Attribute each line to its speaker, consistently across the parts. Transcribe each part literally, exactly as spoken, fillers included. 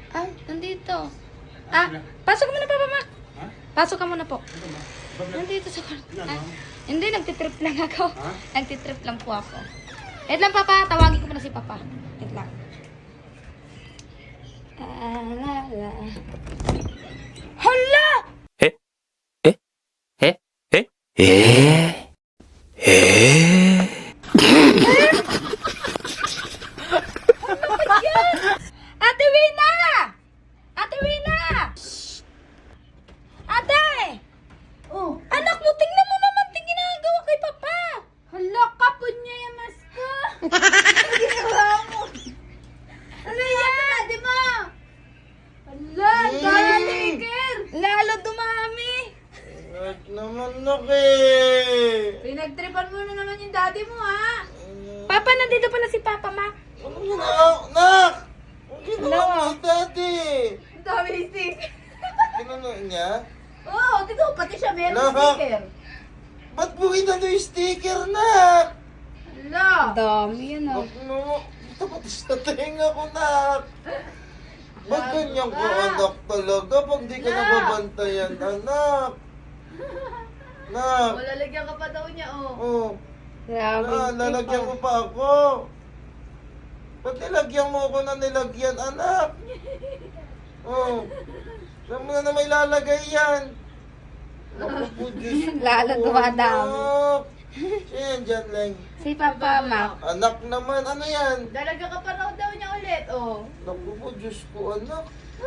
Speaker 1: Ah, nandito. Ah, pasok ka muna, Papa Mac.
Speaker 2: Ha?
Speaker 1: Pasok ka muna po.
Speaker 2: Ano ba? Bakit?
Speaker 1: Nandito sa kwarto.
Speaker 2: Ilan,
Speaker 1: Ah,
Speaker 2: ma'am?
Speaker 1: hindi, nagtitrip lang ako.
Speaker 2: Ha?
Speaker 1: Nagtitrip lang po ako. Wait lang, Papa. Tawagin ko muna si Papa. Wait lang. Ah, la, la. Hala!
Speaker 3: 에? 에? 에? 에? 에? 에?
Speaker 1: Ate Wina! Ate Wina! Ate! Oh, anak mo, tingnan mo naman ting ginagawa kay Papa. Hala, kapon niya yung maska. Ano ginawa mo? Ano yan? Ate mo! Hala, daliker! Lalo dumami.
Speaker 4: At naman naki!
Speaker 1: Pinagtripan mo na naman yung daddy mo, ha? Papa, nandito pala si Papa, Ma.
Speaker 4: Ano ginawa? Nak! Ang ginawa
Speaker 1: Ano?
Speaker 4: ni daddy!
Speaker 1: Ang dami ni stick.
Speaker 4: Ginano niya?
Speaker 1: Oo, oh, dito, pati siya meron
Speaker 4: Nak!
Speaker 1: sticker.
Speaker 4: Ba't mo kita yung sticker, nak?
Speaker 1: Hala. Dami yan, ah.
Speaker 4: Nak mo, tapos sa tenga ko, nak! Ba't ganyan ko, anak talaga? Pag di ka
Speaker 1: Nak!
Speaker 4: nababantayan, anak! Nak!
Speaker 1: Lalagyan ka pa daw niya, oh.
Speaker 4: Oh,
Speaker 1: Grabe.
Speaker 4: na, lalagyan mo pa ako. Ba't nilagyan mo ako na nilagyan, anak? Oh, alam mo na na may lalagay yan. Naku po, Diyos ko.
Speaker 1: Lalo dumadami.
Speaker 4: Anak. Yan, dyan lang.
Speaker 1: Si Papa, Ma.
Speaker 4: Anak naman, ano yan?
Speaker 1: Lalagyan ka pa raw daw niya ulit, oh.
Speaker 4: Naku po, Diyos ko, anak.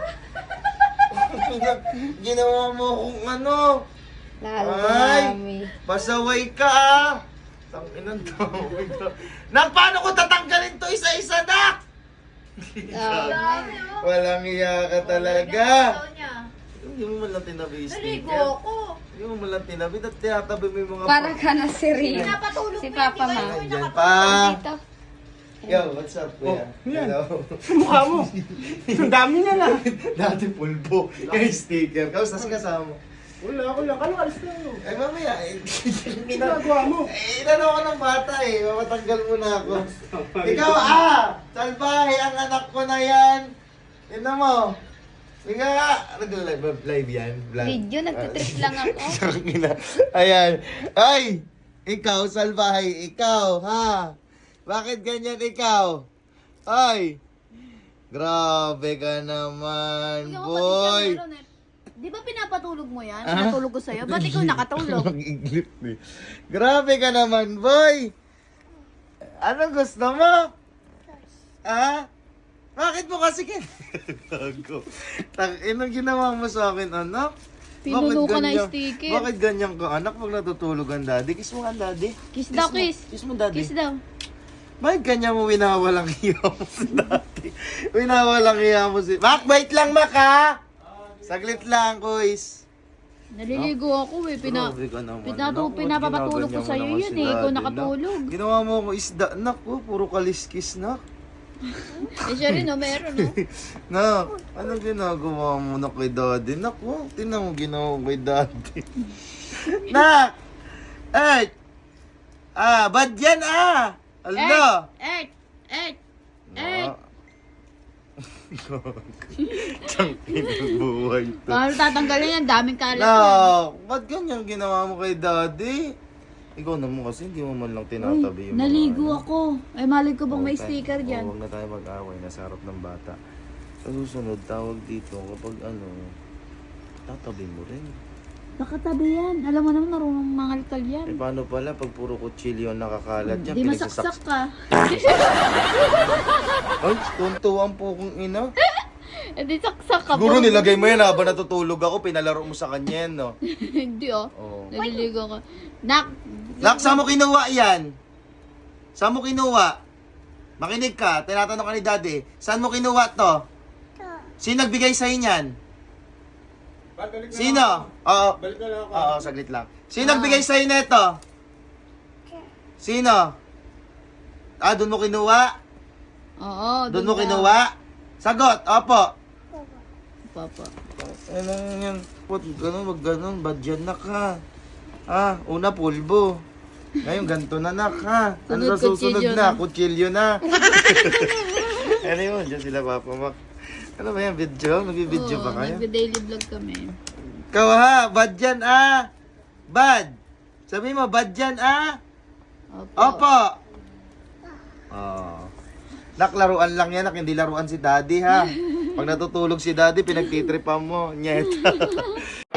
Speaker 4: Ginawa mo akong ano.
Speaker 1: Lalo
Speaker 4: Ay!
Speaker 1: dumami.
Speaker 4: Pasaway ka ah! Tanginan to. Nak, paano ko tatanggalin to isa-isa, nak?
Speaker 1: Dami, oh.
Speaker 4: Walang iya ka talaga.
Speaker 1: Daw niya.
Speaker 4: Hindi mo man lang tinabi yung
Speaker 1: Naligo
Speaker 4: sticker.
Speaker 1: ako.
Speaker 4: Hindi mo man lang tinabi. At tinatabi mo yung mga...
Speaker 1: Para ka na si Rina.
Speaker 4: Pinapatulog
Speaker 1: Si Papa, Ma.
Speaker 4: Diyan pa.
Speaker 1: Dito.
Speaker 4: Yo, what's up, kuya?
Speaker 2: yan.
Speaker 4: Hello.
Speaker 2: Mukha mo. Ang dami na lang.
Speaker 4: Dati pulbo. Yung sticker. Kamusta si kasama mo?
Speaker 2: Wala, wala. Kano alis na yun?
Speaker 4: Eh, mamaya. Eh,
Speaker 2: Ginagawa mo.
Speaker 4: Eh, inano ko ng bata eh. Mamatanggal mo na ako. Ikaw ah! Salbahe ang anak ko na yan. Tignan mo. Ika nga. Nag-live live yan? Vlog.
Speaker 1: Video, nagtitrip lang ako.
Speaker 4: Tangina. Ayan. Ay! Ikaw, salbahe. Ikaw, ha? Bakit ganyan ikaw? Ay! Grabe ka naman, boy!
Speaker 5: Di ba pinapatulog mo yan?
Speaker 4: Ah?
Speaker 5: Pinatulog ko sa'yo? Ba't ikaw nakatulog?
Speaker 4: Mag-iglip eh. Grabe ka naman, boy! Anong gusto mo? Ha? Bakit mo kasi kin... Gago. Tang, inong ginawa mo sa akin, anak?
Speaker 5: Pinuno
Speaker 4: Bakit
Speaker 5: ka na
Speaker 4: ganyan-
Speaker 5: sticker.
Speaker 4: Bakit ganyan ka, anak, pag natutulog ang daddy? Kiss mo ang daddy.
Speaker 5: Kiss daw,
Speaker 4: mo-
Speaker 5: kiss.
Speaker 4: Kiss mo, daddy.
Speaker 5: Kiss daw.
Speaker 4: Bakit ganyan mo winawalang iya mo si daddy? Winawalang iya mo si... Mac, wait lang, Mac, ha? Saglit lang, kuis.
Speaker 5: Naliligo ako eh. Pina,
Speaker 4: Grabe ka naman.
Speaker 5: pinatu,
Speaker 4: Naku,
Speaker 5: pinapapatulog ko
Speaker 4: ginaganyan mo
Speaker 5: sa'yo
Speaker 4: naman
Speaker 5: yun
Speaker 4: si
Speaker 5: eh. Ikaw
Speaker 4: daddy,
Speaker 5: nakatulog.
Speaker 4: nak. Ginawa mo ako isda. Naku, puro kaliskis, nak.
Speaker 5: Eh siya rin oh, meron oh.
Speaker 4: Nak, anong ginagawa mo na kay daddy? Naku, tinan mo ginawa ko kay daddy. Nak! Eh! Ah, bad yan ah! Ala!
Speaker 5: Earth! Earth! Earth!
Speaker 4: Tangin ang buhay to.
Speaker 5: Paano tatanggalin yan? Daming kalat yan.
Speaker 4: Nak, ba't ganyan ginawa mo kay daddy? Ikaw naman kasi hindi mo man lang tinatabi yung mga
Speaker 5: Naligo
Speaker 4: ano.
Speaker 5: ako. Ay, malay ko bang may
Speaker 4: Okay.
Speaker 5: sticker
Speaker 4: Oo,
Speaker 5: dyan?
Speaker 4: huwag na tayo mag-away. Nasa harap ng bata. Sa susunod, tawag dito kapag ano, tatabi mo rin.
Speaker 5: Nakatabi yan. Alam mo naman, marunong mangalkal
Speaker 4: Eh
Speaker 5: yan.
Speaker 4: paano pala pag puro kutsilyo ang nakakalat dyan?
Speaker 5: Di masaksak ka.
Speaker 4: Ay, tuntuan po kong ina.
Speaker 5: Eh, di saksak ka.
Speaker 4: Siguro
Speaker 5: po.
Speaker 4: nilagay mo yan habang natutulog ako, pinalaro mo sa kanya yan, no?
Speaker 5: Hindi oh.
Speaker 4: Oo.
Speaker 5: Naliligo ko. Nak!
Speaker 4: Nak, saan mo kinuha yan? Saan mo kinuha? Makinig ka, tinatanong ka ni daddy. Saan mo kinuha to? Sino nagbigay sa'yo niyan?
Speaker 2: Balik na
Speaker 4: Sino?
Speaker 2: lang ako.
Speaker 4: Oo.
Speaker 2: Balik na lang ako.
Speaker 4: Oo, saglit lang. Sino nagbigay sa'yo nito? Sino? Ah, doon mo kinuha?
Speaker 5: Oo,
Speaker 4: Doon mo
Speaker 5: daw.
Speaker 4: kinuha? Sagot, opo.
Speaker 5: Papa.
Speaker 4: Ano yan? Put, ganun, wag ganun. Bad yan, nak, ha? Ah, una pulbo. Ngayon, ganito na, nak, ha? Ano
Speaker 5: Sunod,
Speaker 4: sa susunod
Speaker 5: kutsilyo
Speaker 4: na?
Speaker 5: na.
Speaker 4: Kutsilyo na. Ano yun? Diyan sila, Papa Mac. Ano ba yan, video? Nag-video
Speaker 5: Oo,
Speaker 4: ba kayo?
Speaker 5: nagbe-daily vlog kami.
Speaker 4: Ikaw ha, bad yan ah. Bad. Sabi mo, bad yan ah.
Speaker 5: Opo.
Speaker 4: Opo. Oh. Naklaruan lang yan, nak, hindi laruan si daddy ha. Pag natutulog si daddy, pinagtitripan mo. Nyeta.